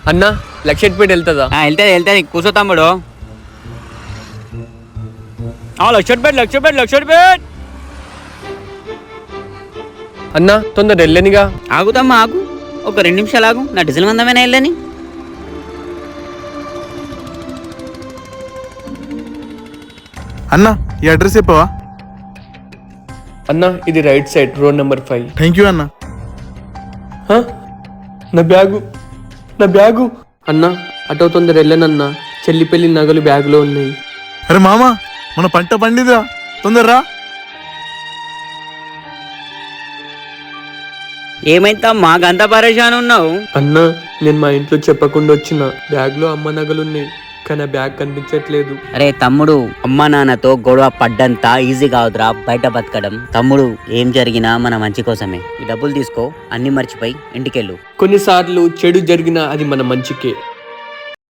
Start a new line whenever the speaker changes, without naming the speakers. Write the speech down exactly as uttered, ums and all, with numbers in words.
అన్న లక్షట్పేట వెళ్తుందా?
వెళ్తుంది వెళ్తుంది కూర్చో తమ్ముడు. లక్షట్పేట లక్షట్పేట లక్షట్పేట
అన్న తొందర వెళ్ళనిగా.
ఆగుతమ్మా ఆగు, ఒక రెండు నిమిషాలు ఆగు, నా డీజిల్ మందమైనా వెళ్ళని.
అన్న ఈ అడ్రస్ చెప్పవా?
అన్న ఇది right side, road number five.
Thank you అన్న.
నా బ్యాగు నా బ్యాగు అన్న అటో తొందర వెళ్ళనన్నా, చెల్లి పెళ్లి నగలు బ్యాగులో ఉన్నాయి.
అరే మామ, మన పంట పండిదా, తొందరరా.
ఏమైందమ్మా గంత పరేషాన్ ఉన్నావు?
అన్న నేను మా ఇంట్లో చెప్పకుండా వచ్చిన, బ్యాగ్ లో అమ్మ నగలున్నాయి కానీ ఆ బ్యాగ్ కనిపించట్లేదు.
అరే తమ్ముడు, అమ్మా నాన్నతో గొడవ పడ్డంత ఈజీ కావద్దురా బయట బతకడం. తమ్ముడు, ఏం జరిగినా మన మంచి కోసమే. ఈ డబ్బులు తీసుకో, అన్ని మర్చిపోయి ఇంటికెళ్ళు.
కొన్నిసార్లు చెడు జరిగినా అది మన మంచికే.